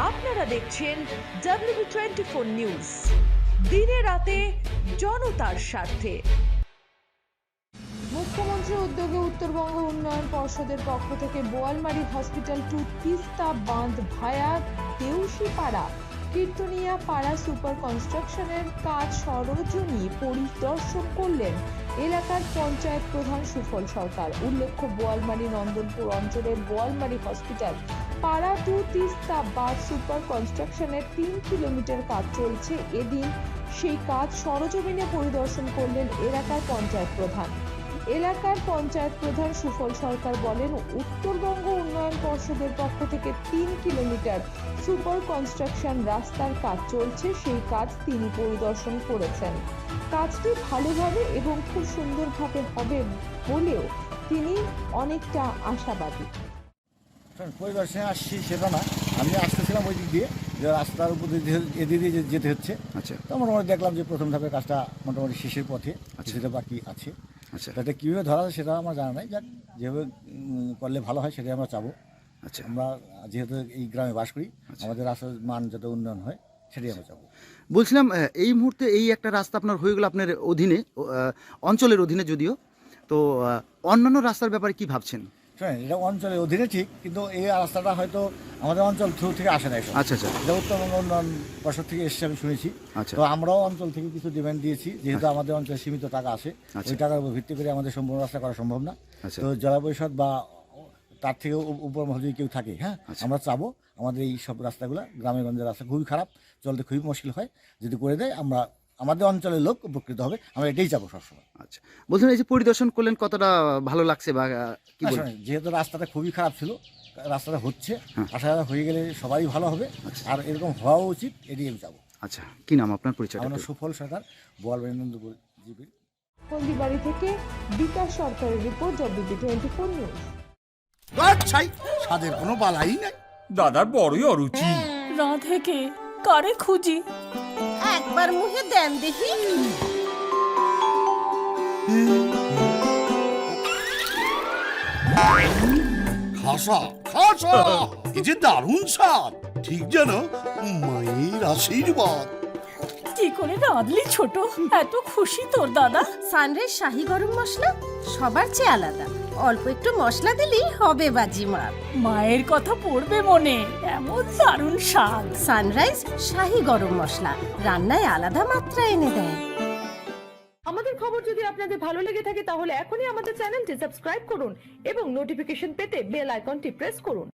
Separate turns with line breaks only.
আপনারা দেখছেন WB24 news, দিনে রাতে জনতার স্বার্থে।
মুখ্যমন্ত্রীর উদ্যোগে উত্তরবঙ্গ উন্নয়ন পর্ষদের পক্ষ থেকে বোয়ালমারী হসপিটাল টু তিস্তা বাঁধ ভায়া দেউশিপাড়া কীর্তনিয়া পাড়া সুপার কনস্ট্রাকশনের কাজ সরজমিনে পরিদর্শন করলেন এলাকার পঞ্চায়েত প্রধান সুফল সরকার। উল্লেখ্য, বোয়ালমারী নন্দনপুর অঞ্চলের বোয়ালমারী হসপিটাল পাড়া টু তিস্তা বাঁধ সুপার কনস্ট্রাকশনের 3 কিলোমিটার কাজ চলছে। এদিন সেই কাজ সরজমিনে পরিদর্শন করলেন এলাকার পঞ্চায়েত প্রধান। এলাকার পঞ্চায়েত প্রধান সুফল সরকার বলেন, উত্তরবঙ্গ উন্নয়ন পর্ষদের পক্ষ থেকে 3 কিলোমিটার সুপার কনস্ট্রাকশন রাস্তার কাজ চলছে, সেই কাজ তিনি পরিদর্শন করেছেন। কাজটি ভালোভাবে এবং খুব সুন্দরভাবে হবে বলেও তিনি অনেকটা আশাবাদী।
পরিদর্শনে আসছি সেটা না, আমি আসতেছিলাম ওই দিক দিয়ে, যে রাস্তার উপর এদিকে যেতে হচ্ছে। আচ্ছা, তো মোটামুটি দেখলাম যে প্রথম ধাপের কাজটা মোটামুটি শেষের পথে, সেটা বাকি আছে। আচ্ছা, তাতে কীভাবে ধরা যায় সেটা আমার জানা নাই, যাক যেভাবে করলে ভালো হয় সেটাই আমরা চাবো। আচ্ছা, আমরা যেহেতু এই গ্রামে বাস করি, আমাদের রাস্তার মান যাতে উন্নয়ন হয় সেটাই আমরা চাবো।
বলছিলাম, এই মুহূর্তে এই একটা রাস্তা আপনার হয়ে গেল আপনার অধীনে, অঞ্চলের অধীনে যদিও, তো অন্যান্য রাস্তার ব্যাপারে কি ভাবছেন?
হ্যাঁ, এটা অঞ্চলের অধীনে ঠিক, কিন্তু এই রাস্তাটা হয়তো আমাদের অঞ্চল থ্রু থেকে আসে না।
আচ্ছা আচ্ছা,
এটা উত্তরবঙ্গ উন্নয়ন পর্ষদ থেকে এসেছে আমি শুনেছি। আচ্ছা, তো আমরাও অঞ্চল থেকে কিছু ডিমান্ড দিয়েছি, যেহেতু আমাদের অঞ্চলে সীমিত টাকা আসে, ওই টাকার উপর ভিত্তি করে আমাদের সম্পূর্ণ রাস্তা করা সম্ভব না। তো জেলা পরিষদ বা তার থেকে উপর মহল যদি কেউ থাকে, হ্যাঁ, আমরা চাবো আমাদের এই সব রাস্তাগুলো, গ্রামে গঞ্জের রাস্তা খুবই খারাপ, চলতে খুবই মুশকিল হয়, যদি করে দেয় আমরা আমাদের অঞ্চলের লোক উপকৃত হবে, আমরা এটাই চাবো সবসময়।
আচ্ছা, বলছেন এই যে পরিদর্শন করলেন, কতটা ভালো লাগছে বা কি বলবেন?
যেহেতু রাস্তাটা খুবই খারাপ ছিল, রাস্তাটা হচ্ছে, আশা হয়ে গেলে সবাই ভালো হবে, আর এরকম হওয়া উচিত, এটাই আমি চাবো।
আচ্ছা, কি নাম আপনার, পরিচয়?
আমার সুফল সরকার, বোয়ালমারী নন্দনপুর জিপি।
হলদিবাড়ি থেকে বিকাশ সরকারের রিপোর্ট, WB24 নিউজ।
আচ্ছাই, স্বাদের কোনো বালাই নাই।
দাদার বড়ই অরুচি।
রাধে কে কারে খুঁজি,
একবার মুখে দেন দেখি।
খাসা খাসা, এই যে দারুণ স্বাদ, ঠিক যেন মায়ের আশীর্বাদ।
কি করে রাঁধলি ছোট, এত খুশি তোর দাদা?
সানরাইজ শাহী গরম মশলা সবার চেয়ে আলাদা, অল্প একটু মশলা দিলেই হবে বাজিমাত।
মায়ের কথা পড়বে মনে, এমন দারুণ স্বাদ।
সানরাইজ শাহী গরম মশলা রান্নায় আলাদা মাত্রা এনে দেয়।
আমাদের খবর যদি আপনাদের ভালো লেগে থাকে তাহলে এখনই আমাদের চ্যানেলটি সাবস্ক্রাইব করুন এবং নোটিফিকেশন পেতে বেল আইকনটি প্রেস করুন।